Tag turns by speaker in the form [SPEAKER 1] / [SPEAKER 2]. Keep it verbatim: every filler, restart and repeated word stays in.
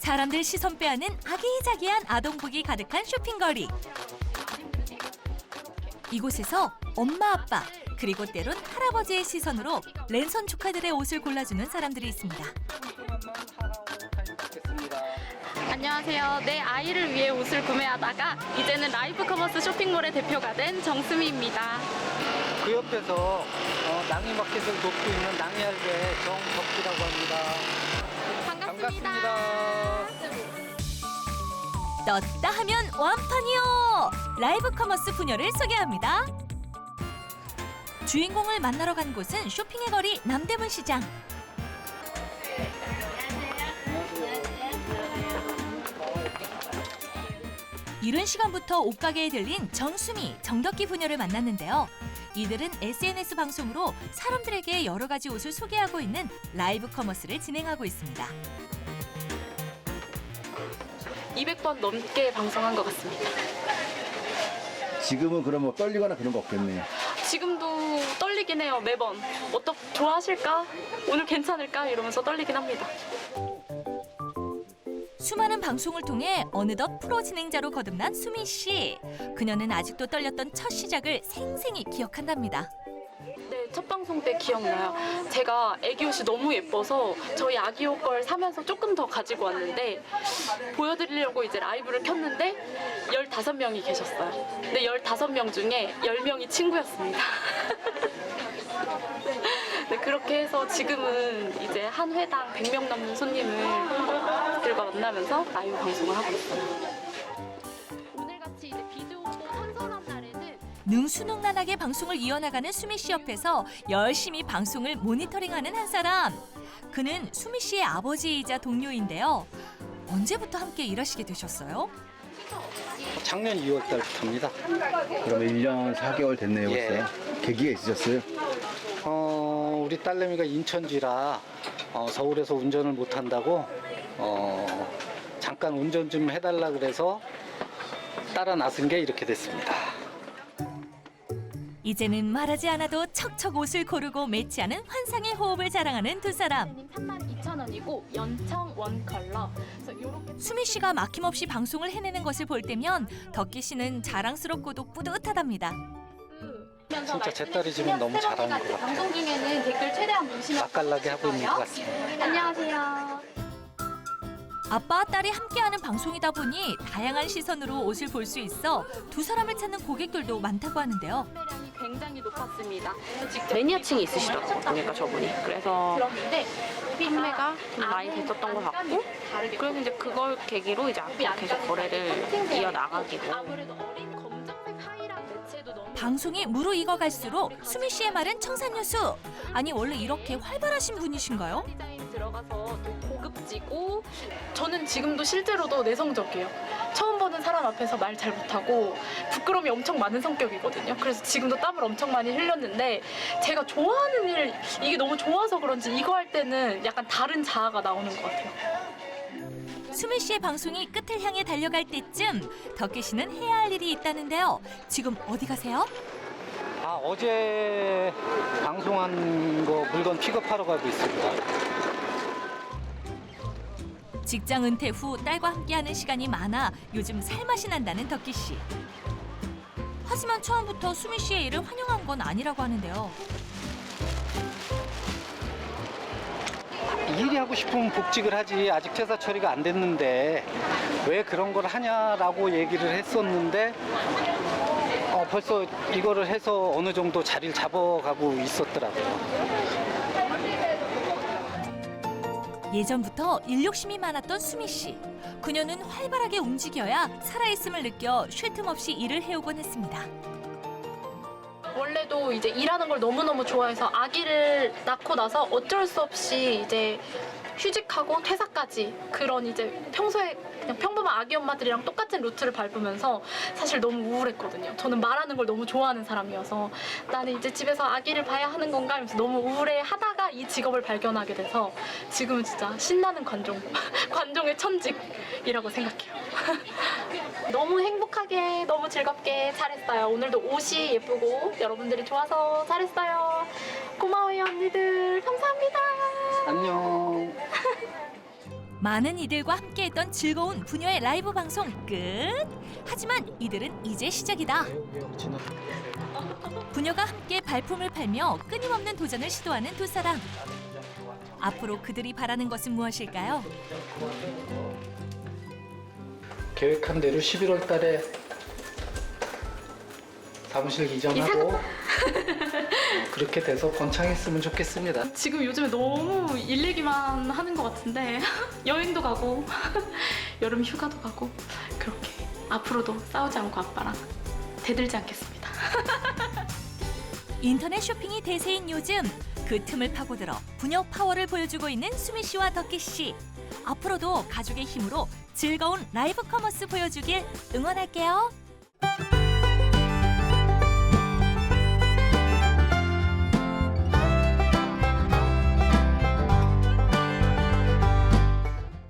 [SPEAKER 1] 사람들 시선 빼앗는 아기자기한 아동복이 가득한 쇼핑거리. 이곳에서 엄마, 아빠, 그리고 때론 할아버지의 시선으로 랜선 조카들의 옷을 골라주는 사람들이 있습니다.
[SPEAKER 2] 안녕하세요. 내 아이를 위해 옷을 구매하다가 이제는 라이브 커머스 쇼핑몰의 대표가 된 정수미입니다.
[SPEAKER 3] 그 옆에서 어, 낭이마켓을 돕고 있는 낭이할배 정덕기라고 합니다.
[SPEAKER 2] 반갑습니다.
[SPEAKER 3] 반갑습니다.
[SPEAKER 1] 떴다 하면 완판이요! 라이브 커머스 부녀를 소개합니다. 주인공을 만나러 간 곳은 쇼핑의 거리 남대문 시장. 이른 시간부터 옷가게에 들린 정수미, 정덕기 부녀를 만났는데요. 이들은 에스엔에스 방송으로 사람들에게 여러 가지 옷을 소개하고 있는 라이브 커머스를 진행하고 있습니다.
[SPEAKER 2] 이백 번 넘게 방송한 것 같습니다.
[SPEAKER 4] 지금은 그럼 뭐 떨리거나 그런 거 없겠네요.
[SPEAKER 2] 지금도 떨리긴 해요, 매번. 어떻 좋아하실까? 오늘 괜찮을까? 이러면서 떨리긴 합니다.
[SPEAKER 1] 수많은 방송을 통해 어느덧 프로 진행자로 거듭난 수미 씨. 그녀는 아직도 떨렸던 첫 시작을 생생히 기억한답니다.
[SPEAKER 2] 네, 첫 방송 때 기억나요. 제가 애기 옷이 너무 예뻐서 저희 아기 옷 걸 사면서 조금 더 가지고 왔는데 보여드리려고 이제 라이브를 켰는데 열다섯 명이 계셨어요. 근데 열다섯 명 중에 열 명이 친구였습니다. 네, 그렇게 해서 지금은 이제 한 회당 백 명 넘는 손님들과 만나면서 라이브 방송을 하고 있어요. 오늘같이 이제 비도 오고 선선한 날에는
[SPEAKER 1] 능수능란하게 방송을 이어나가는 수미 씨 옆에서 열심히 방송을 모니터링하는 한 사람. 그는 수미 씨의 아버지이자 동료인데요. 언제부터 함께 일하시게 되셨어요?
[SPEAKER 3] 작년 이월 달부터입니다.
[SPEAKER 4] 그러면 일 년 사 개월 됐네요,
[SPEAKER 3] 예.
[SPEAKER 4] 벌써. 계기가 있으셨어요?
[SPEAKER 3] 어, 우리 딸내미가 인천지라 어, 서울에서 운전을 못 한다고 어, 잠깐 운전 좀 해달라 그래서 따라 나선 게 이렇게 됐습니다.
[SPEAKER 1] 이제는 말하지 않아도 척척 옷을 고르고 매치하는 환상의 호흡을 자랑하는 두 사람.
[SPEAKER 2] 삼만 이천 원이고 연청 원 컬러. 그래서 요렇게
[SPEAKER 1] 수미 씨가 막힘없이 방송을 해내는 것을 볼 때면 덕기 씨는 자랑스럽고도 뿌듯하답니다.
[SPEAKER 3] 진짜 제 딸이 지금 너무 잘하는 것 같아요.
[SPEAKER 2] 방송 중에는 댓글 최대한 보시면
[SPEAKER 3] 맛깔나게 하고 있는 것 같습니다.
[SPEAKER 2] 안녕하세요.
[SPEAKER 1] 아빠와 딸이 함께하는 방송이다 보니 다양한 시선으로 옷을 볼 수 있어 두 사람을 찾는 고객들도 많다고 하는데요.
[SPEAKER 2] 판매량이 굉장히 높았습니다.
[SPEAKER 5] 매니아층이 있으시더라고요. 보니까 저분이. 그래서
[SPEAKER 2] 그런데
[SPEAKER 5] 판매가 좀 많이 됐었던 것 같고, 그래서 이제 그걸 계기로 이제 앞으로 계속 거래를 이어나가기로.
[SPEAKER 2] 아무래도 어린 검정색 하이랑 매체도 너무
[SPEAKER 1] 방송이 무르익어갈수록 수미 씨의 말은 청산유수. 아니 원래 이렇게 활발하신 분이신가요?
[SPEAKER 2] 디자인 들어가서 또 고급지고 저는 지금도 실제로도 내성적이에요. 처음 보는 사람 앞에서 말 잘 못하고 부끄러움이 엄청 많은 성격이거든요. 그래서 지금도 땀을 엄청 많이 흘렸는데 제가 좋아하는 일 이게 너무 좋아서 그런지 이거 할 때는 약간 다른 자아가 나오는 것 같아요.
[SPEAKER 1] 수미 씨의 방송이 끝을 향해 달려갈 때쯤 덕기 씨는 해야 할 일이 있다는데요. 지금 어디 가세요?
[SPEAKER 3] 아, 어제 방송한 거 물건 픽업하러 가고 있습니다.
[SPEAKER 1] 직장 은퇴 후 딸과 함께하는 시간이 많아 요즘 살맛이 난다는 덕기 씨. 하지만 처음부터 수미 씨의 일을 환영한 건 아니라고 하는데요.
[SPEAKER 3] 일이 하고 싶으면 복직을 하지 아직 퇴사 처리가 안 됐는데 왜 그런 걸 하냐라고 얘기를 했었는데 어, 벌써 이거를 해서 어느 정도 자리를 잡아가고 있었더라고요.
[SPEAKER 1] 예전부터 일 욕심이 많았던 수미 씨. 그녀는 활발하게 움직여야 살아있음을 느껴 쉴 틈 없이 일을 해오곤 했습니다.
[SPEAKER 2] 원래도 이제 일하는 걸 너무너무 좋아해서 아기를 낳고 나서 어쩔 수 없이 이제 휴직하고 퇴사까지 그런 이제 평소에 그냥 평범한 아기 엄마들이랑 똑같은 루트를 밟으면서 사실 너무 우울했거든요. 저는 말하는 걸 너무 좋아하는 사람이어서 나는 이제 집에서 아기를 봐야 하는 건가 하면서 너무 우울해 하다가 이 직업을 발견하게 돼서 지금은 진짜 신나는 관종, 관종의 천직이라고 생각해요. 너무 행복하게 너무 즐겁게 잘했어요. 오늘도 옷이 예쁘고 여러분들이 좋아서 잘했어요. 고마워요 언니들. 감사합니다.
[SPEAKER 3] 안녕.
[SPEAKER 1] 많은 이들과 함께했던 즐거운 부녀의 라이브 방송 끝. 하지만 이들은 이제 시작이다. 부녀가 함께 발품을 팔며 끊임없는 도전을 시도하는 두 사람. 앞으로 그들이 바라는 것은 무엇일까요?
[SPEAKER 3] 계획한 대로 십일월 달에 사무실 이전하고 그렇게 돼서 번창했으면 좋겠습니다.
[SPEAKER 2] 지금 요즘에 너무 일 얘기만 하는 것 같은데 여행도 가고 여름 휴가도 가고 그렇게 앞으로도 싸우지 않고 아빠랑 대들지 않겠습니다.
[SPEAKER 1] 인터넷 쇼핑이 대세인 요즘 그 틈을 파고들어 부녀 파워를 보여주고 있는 수미 씨와 덕기 씨. 앞으로도 가족의 힘으로 즐거운 라이브 커머스 보여주길 응원할게요.